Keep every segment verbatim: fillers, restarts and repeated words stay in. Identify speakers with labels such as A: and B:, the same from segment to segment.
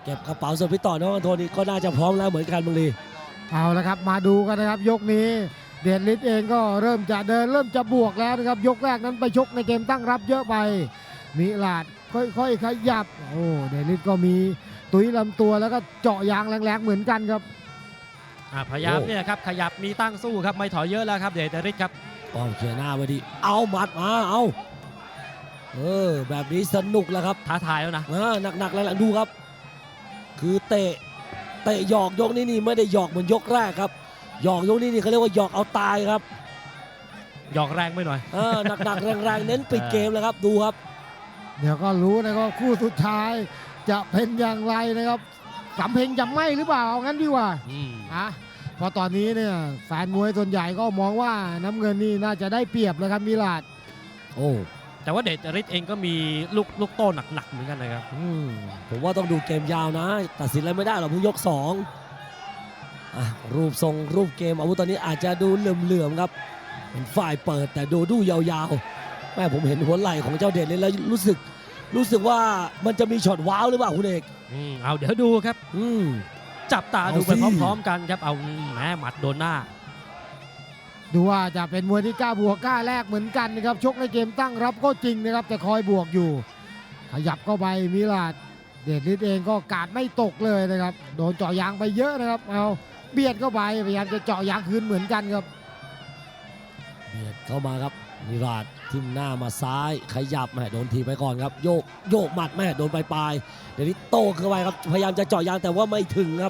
A: เก็บกระเป๋าส่วนพี่ต่อน้องอันโทนี่ก็น่าจะพร้อมแล้วเหมือนกันบางลี
B: เอาละครับมาดูกันนะครับยกนี้เดชฤทธิ์เองก็เริ่มจะเดินเริ่มจะบวกแล้วนะครับยกแรกนั้นไปชกในเกมตั้งรับเยอะไปมิลาดค่อยๆขยับโอ้เดชฤทธิ์ก็มีตุ้ยลำตัวแล้วก็เจาะยางแรงๆเหมือนกันครับ
C: อ่ะพยายามเนี่ยครับขยับมีตั้งสู้ครับไม่ถอยเยอะแล้วครับเดชฤทธิ์ครับ
A: ป้อมเขียนหน้าไว้ดีเอาหมัดมาเอาเออแบบนี้สนุกแล้วครับ
C: ท้าทายแล้วนะ
A: อ่าหนักๆหลังๆดูครับ คือเตะเตะหยอกยกนี้นี่ไม่ได้หยอกเหมือนยกแรกครับหยอกยกนี้นี่เขาเรียกว่าหยอกเอาตายครับ
C: หยอกแรงไปหน่อย
A: เออหนักๆแรงๆเน้นปิดเกมเลยครับดูครับ
B: เดี๋ยวก็รู้นะครับคู่สุดท้ายจะเป็นอย่างไรนะครับสำเพ็งจะไหมหรือเปล่าเอางั้นดีกว่า
C: อืม
B: อ่ะเพราะตอนนี้เนี่ยแฟนมวยส่วนใหญ่ก็มองว่าน้ำเงินนี่น่าจะได้เปรียบเลยครับมิลาด
A: โอ้
C: แต่ว่าเดชฤทธิ์เองก็มีลูกลูกโต้หนักๆเหมือนกันนะครับ
A: อืมผมว่าต้องดูเกมยาวนะ ตัดสินอะไรไม่ได้หรอกเพิ่งยกสองอ่ะรูปทรงรูปเกมอาวุธตอนนี้อาจจะดูเหลื่อมๆครับเป็นฝ่ายเปิดแต่ดูดูยาวๆแม่ผมเห็นหัวไหล่ของเจ้าเด่นเลยแล้วรู้สึกรู้สึกว่ามันจะมีช็อตว้าวหรือเปล่าคุณเอก
C: อืมเอาเดี๋ยวดูครับ
A: อืม
C: จับตาดูไป
A: เอาสิ
C: พร้อมๆกันครับเอาแหมหมัดโดนหน้า
B: ดูว่าจะเป็นมวยที่กล้าบวกกล้าแลกเหมือนกันนะครับชกในเกมตั้งรับก็จริงนะครับแต่คอยบวกอยู่ ขยับเข้าไปมิลาดเดชฤทธิ์เองก็กาดไม่ตกเลยนะครับโดนเจาะยางไปเยอะนะครับเอาเบียดเข้าไปพยายามจะเจาะยางคืนเหมือนกันครับ
A: เบียดเข้ามาครับนิราชทิ่มหน้ามาซ้ายขยับแม่โดนทีไปก่อนครับโยกโยกหมัดแม่โดนปลายๆเดี๋ยวนี้โต้เข้าไปครับพยายามจะเจาะยางแต่ว่าไม่ถึงครับ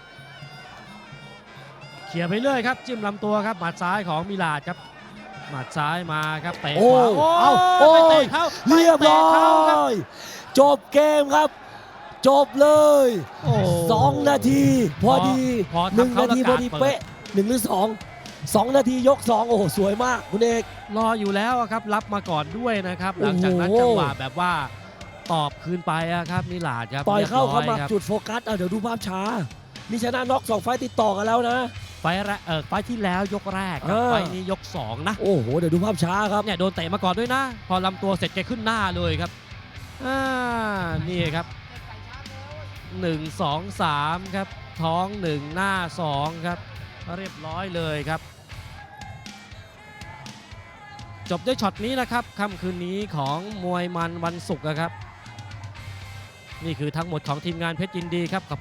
C: เขี่ยไปเรื่อยครับจิ้มลำตัวครับหมัดซ้ายของมิลาดครับหมัดซ้ายมาครับเตะ
A: โอ้
C: ขวา
A: เอาโอ้
C: ไปเตะ
A: ย
C: เข้า
A: เรียบร้อ
C: ไปเตะเข้าครับ
A: ยจบเกมครับ จบเลย
C: โอ้
A: สองนาที พอดี
C: พอ
A: หนึ่ง
C: ทำเข้า
A: นาที
C: แล้ว
A: พ
C: กา
A: อ
C: ด
A: ดี
C: เปิด
A: เป๊ะหนึ่งหรือสองสองนาทียกสองโอ้โหสวยมากคุณเอก
C: รออยู่แล้วอะครับรับมาก่อนด้วยนะครับหลังจากนั้น
A: โอ้โห
C: จังหวะแบบว่าตอบคืนไปอะครับมิลาดครับ
A: ต่อยเข้า
C: รีบร้
A: เข้ามา
C: ครับ
A: จุดโฟกัสอ่ะเดี๋ยวดูภาพช้านี่ชนะน็อกสองไฟต์ติดต่อกันแล้วนะ
C: ไฟล์แรกเออไฟล์ที่แล้วยกแรกครับ
A: เออ
C: ไฟล์นี้ยกสองนะ
A: โอ้โหเดี๋ยวดูภาพช้าครับ
C: เนี่ยโดนเตะมาก่อนด้วยนะ พอลำตัวเสร็จแกขึ้นหน้าเลยครับอ่านี่ครับหนึ่งสองสามครับท้องหนึ่งหน้าสองครับเรียบร้อยเลยครับ จบด้วยช็อตนี้นะครับค่ำคืนนี้ของมวยมันวันศุกร์นะครับ นี่คือทั้งหมดของทีมงานเพชรยินดีครับ